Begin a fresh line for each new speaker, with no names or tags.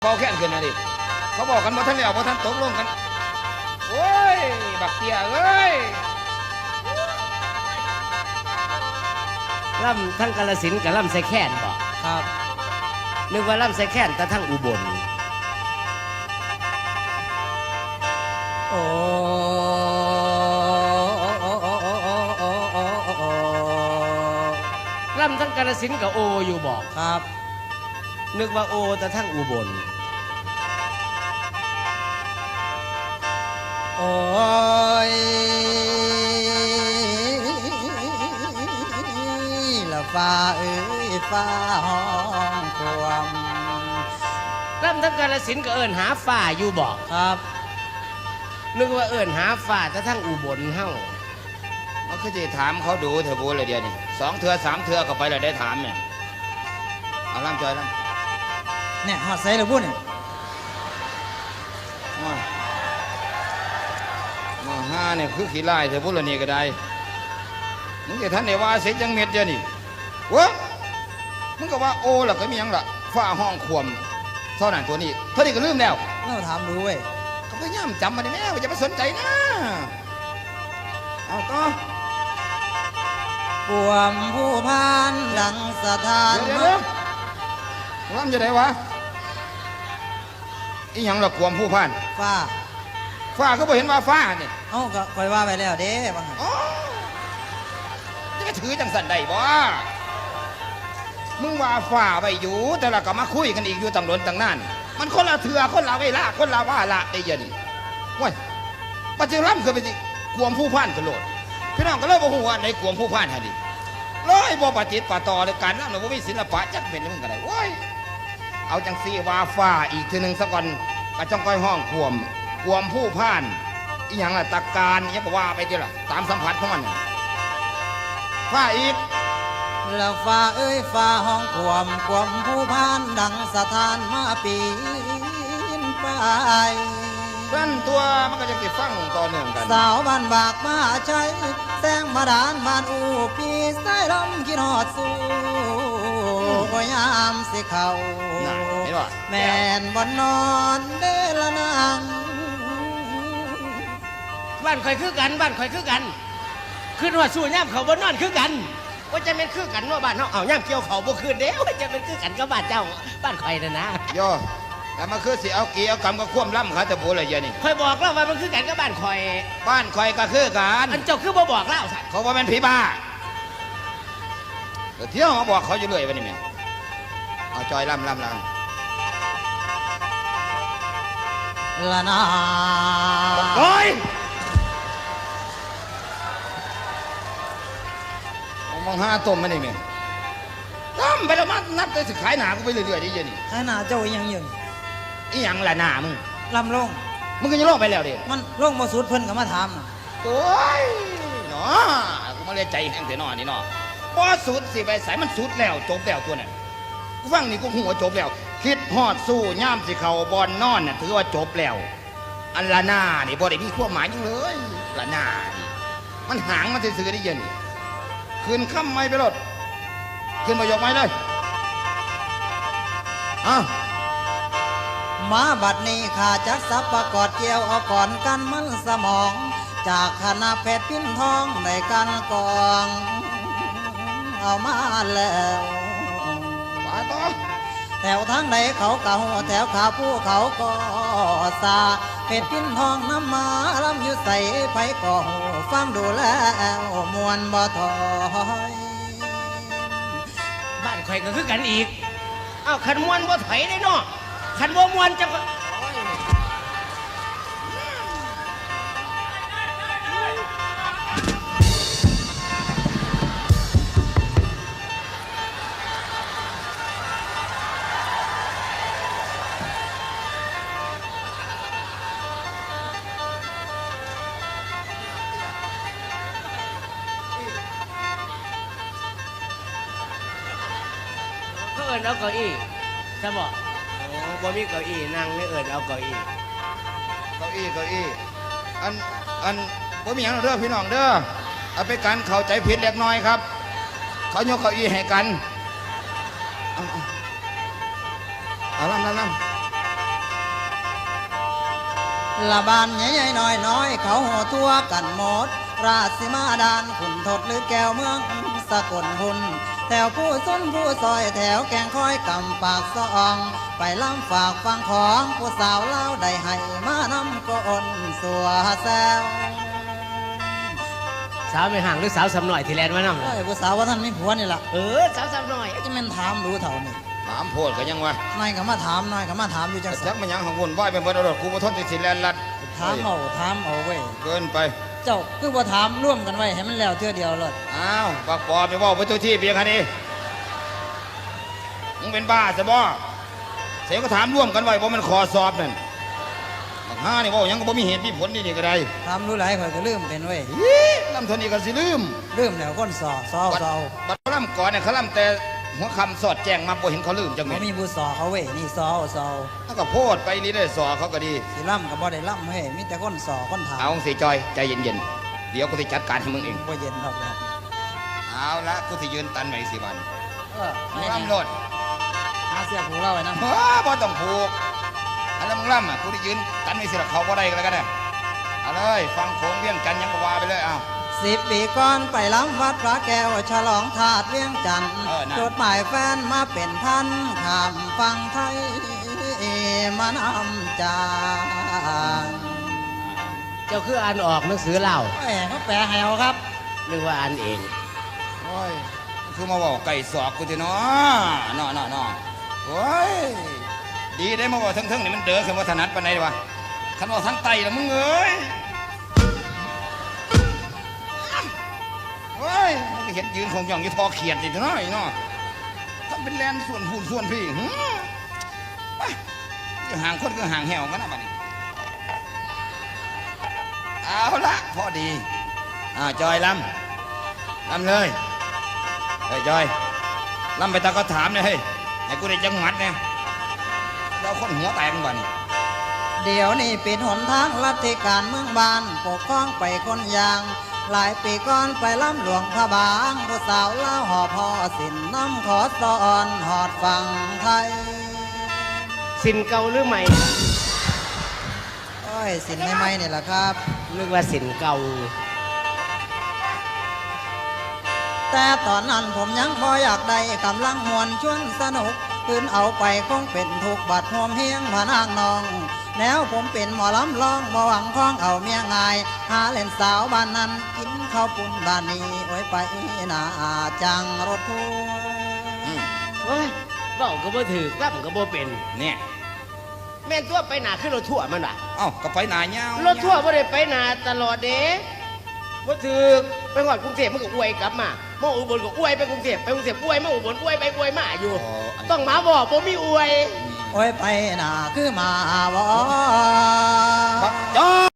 ป่าแค่นขึ้นนะดิเขาบอกกันว่าท่านแล้วว่าท่านตกลงกันโอ้ยบักเตี้ยเอ้ย
ล่ำทั้งกาฬสินธุ์กับล่ำไซแค้นบอก
ครับ
นึกว่าล่ำไซแค้นแต่ทั้งอุบลโอ้ล่ำทั้งกาฬสินธุ์กับโออยู่บอก
ครับ
นึกว่าโอแต่ทั้งอุบล
โอ้ยละฟ้าเอ้ยฟ้าห้องความ
ล่ำทั้งกาฬสินธุ์ก็เอิ้นหาฟ้าอยู่บอก
ครับ
นึกว่าเอิ้นหาฟ้าแต่ทั้งอุบลเฮ้า
เขาคือจะถามเขาดูเถอะบูเลยเดียวนี่2 เทื่อ 3 เทื่อเข้าไปแล้วได้ถามเนี่ยเอาล่ำจอยล่ำ
เนี่ยหอดใส่เลยพูดเนี่ย
มาห้าเนี่ยคือขี้ไล่เถอะบูเลยนี่ก็ได้มึงจะท่านไหนว่าเสร็จยังเม็ดเดียวนี่วะมึงก็ว่าโอ้ล่ะก็มียังล่ะฝ้าห้องขวมเท่านั้นตัวนี้เท่านี้ก็ลืมแล้ว
เราถามดูเว้ย
ก็พยายามจำมาได้แม่ว่าจะไปสนใจนะเอาต่อ
ปวมผู้พานดังสถาน
เดี๋ยวร่ำจะได้วะอีหยังละความผู้พานฟ้าก็บ่เห็นว่าฟ้าเนี่ย
เอ้าก็คอยว่าไปแล้วเด้บ้าง
อ๋อจะถือจังสันได้บ่มึงว่าฟ้าไปอยู่แต่ละก็มาคุยกันอีกอยู่ตั้งหลนตั้งนานมันคนละเถื่อคนละเวลาคนละว่าละได้ยันว้ยปัจจุบันคือไปสิความผู้พานกระโดดพี่น้องก็เลยบอกว่าในความผู้พานฮะดิร้อยบ่ปฏิปต่อเลยการนั่นเราไม่มีศิลปะจักเป็นมึงกันได้ว้ยเอาจังซีว่าฟ้าอีกทีหนึ่งสักก่อนก็จ้องก้อยห้องความผู้พานอีหยังล่ะตะการยังก็ว่าไปทีละตามสัมผัสของมันฟ้าอีก
แล้วฟ้าเอ้ยฟ้าห้องความผู้พานดังสถานมาปีนไป
นั่นตัวมันก็จะติดฟังต่อเนื่องกัน
สาวบ้านบากมาใช้แสงมาดานบ้านอูปีสายลมกินหอดสู้ก็ยามสิเขาแม่นบนนอนเดละนาง
บ้านข่อยคือกันบ้านข่อยคือกันขึ้นว่าสู้ย่ำเขาบนนอนคือกันว่าจะเป็นคือกันว่าบ้านเขาเอาย่ำเกี่ยวเขาบ่คืนเด้ว่าจะเป็นคือกันกับบ้านเจ้าบ้านข่อยนะนะ
โยแต่มาคือสิเอากี่เอากำกับคว่ำล่ำเขาแต่โบเลยเยอะนี่
ข่อยบอกแล้วว่ามันคือกันกับบ้านข่อย
ก็คือกัน
อันเจ้าคือบ่บอกแล้วสัตว์
เขาว่าเป็นผีบ้าเที่ยวเขาบอกเขาอยู่เลยวันนี้แม่เอาจอยล่ำ
ละนา
โอ้ยมองหาต้มมันนี่แม่ต้มไปแล้วมันนับไปสิขายหนากูไปเรื่อยๆดิเยอะนี่
ขายหนาเจ้ายังยืน
อีหยังละหนามึง
ลำลง
มึงก็จะลงไปแล้วดิ
มันลงมาสุดเพิ่นก็มาถาม
โอ้ยเนาะกูมาเลยใจแห้งเสียหน่อนี่เนาะบ่สุดสิไปใส่มันสุดแล้วจบแล้วตัวนั้นกูฟังนี่กูหัวจบแล้วคิดฮอดสู้ย่ามสิเขาบอลนอนน่ะถือว่าจบแล้วอันละหนานี่บ่ได้มีความหมายยังเลยละหนานี่มันหางมันซื่อๆได้เย็นคืนค่ำไม่ไปรถคืนมายกไม้เลย
มาบัดนี้ข้าจักสับประกอดเกี่ยวเอาก่อนกันมันสมองจากคณะแพทย์พินทองในการกองเอามาแล้ว
มาต่อ
แถวทางไหนเขาเก่าแถวขาผู้เขาก็สาเพชรพินทองน้ำมาลำอยู่ใส่ไผ่ก่อฟังดูแล้วมวนบ่ถอย
บ้านข่อยก็คือกันอีกอ้าวขันมวนบ่ถอยได้เนาะขันบ่มวนจะเอิญเอาเก้าอี้จะบอกบ่มีเก้าอี้นั่งไม่เอิญเอาเก้าอี้
อันบ่มีอย่างเด้อพี่น้องเด้อเอาไปกันเข้าใจผิดเล็กน้อยครับเขายกเก้าอี้ให้กันเอาล่ำ
ละบานใหญ่ๆน้อยๆเขาหัวทั่วกันหมด ราชสีมาดานขุนทดหรือแก้วเมืองสกลหุ่นแถวผู้ซุนผู้ซอยแถวแกงคอยกำปากซองไปล้ำฝากฟังของผู้สาวเล่าได้ให้มานำกอนสัวแซว
สาวไม่ห่างหรือสาวสำหน่อยที่แลนด์มานำ
ไอ้ผู้สาวว่าท่านมีผัวนี่ล่ะ
สาวสำหน่อย
จะแม่นถามรู้เท่านี่
ถามโพดก็ยังวะ
นายก็มาถามนายก็มาถามอยู่จัง
จั
สั
ก
น
มันยังของวุ่นวายเป็นบ่ได้กูบ่ทนที่สิแลนลัด
ถามเอาเว้ย
เกินไป
เจ้าคือบ่ถามร่วมกันไว้ให้มันแล้วเทื่อเดียวเลย
อ้าวบักปอไปเว่าไปตัวที่เพียงแค่นี้มึงเป็นบ้าซะบ่เสียก็ถามร่วมกันไว้บ่มันขอสอบนั่นบักห้านี่เว่าหยังก็บ่มีเหตุมีผลนี่ก็ได้
ถามรู้หลายข่อยก็ลืมเป็นเว้ย
อีลำทนนี่ก็สิลืม
ลืมแล้วคนสอซอ
บัด
เซา
บัดล่ำก่อนเนี่ยเขาล่ำแต่หัวคำสอดแจ้งมาบ่เห็นเขาลืมจังไหม
เขามีผู้สอเขาเว้ยนี่ซอเซา
ถ้าก็โพดไปนี่ได้สอเขาก็ดี
สิล่ำก็บ่ได้ล่ำเฮ้ยมีแต่คนสอคนถาม
เอาสิจอยใจเย็นๆเดี๋ยวกูสิจัดการให้มึงเอง
บ่เย็นดอกนะ
เอาละกูสิยืนตันไว้สิวัน
ไม่
มึง
ได้
ล่ำโลด
หาเสียผูเล่าไว้นะ
เฮ้อบ่ต้องผูกอันนั้นมึงล่ำอ่ะกูได้ยืนตันไว้สิละเขาบ่ได้ก็แล้วกันนะเอาเลยฟังโขงเวียงจันทน์ยังก็ว่าไปเลยเอา
10 ปีก่อนไปล้ำวัดพระแก้วฉลองถาดเวียงจันทน์
นั่น
จดหมายแฟนมาเป็นพันข้ามฟังไทยมานำจาง
เจ้าคืออ่านออกหนังสือเล่า
แหมเขาแปลให้เอาครับ
นึกว่าอ่านเอง
โอ้ยคือมาบอกไก่สอกกูทีเนาะเนาะโอ้ยดีได้มาบอกทั้งๆนี่มันเด้อขึ้นว่าถนัดปานไหนดีวะคันว่าทั้งไตละมึงเอ้ยโอ้ยมันก็เห็นยืนของหย่องอยู่ทอเขียดสิเนาะไอ้เนาะทำเป็นแลนส่วนพูนส่วนพี่ไปคือห่างคนคือห่างแหวกันนะบัดนี้เอาละพอดีจอยลำเลยเฮ้ยจอยลำไปตาก็ถามเนี่ยเฮ้ยไอ้กูได้จังหวัดเนี่ยเราคนหัวแตกบ้านี่
เดี๋ยวนี้ปิดหนทางรัฐการเมืองบ้านปกครองไปคนยาง หลายปีก่อนไปล้ำหลวงพระบางผู้สาวเล่าหอพ่อสินน้ำขอสอนหอดฟังไทย
สินเก่าหรือใหม่
โอ้ยสินใหม่ๆนี่แหละครับ
นึกว่าสินเก่า
แต่ตอนนั้นผมยังบ่อยากได้กำลังมวนชวนสนุกคืนเอาไปคงเป็นทุกบัดหวมเฮียงพานางนอง แนวผมเป็นหมอลำลองบ่หวังคล้องเอาเมียง่าย หาเล่นสาวบ้านนั้นกินข้าวปุ้นบ้านนี้โอ้ยไปหนาจังรถทัวร์
เฮ้ยเบ้าก็บ่ถือกล่ำก็บ่เป็น
เนี่ย
แม่นตัวไปหนาขึ้นรถทั่วร์มันว่ะ
เอ้าก็ไปหนาเงาร
ถทั่วร์บ่ได้ไปหนาตลอดเด้บ่ถือกไปหอดกรุงเทพมันก็อวยกลับมาอุบลก็อวยไปกรุงเทพไปกรุงเทพอวยมาอุบลอวยไปอวยมาอยู่ ต้องมาบอกบ่มีอวย
โอ้ยไปหนาคือมาบ่
บักจอย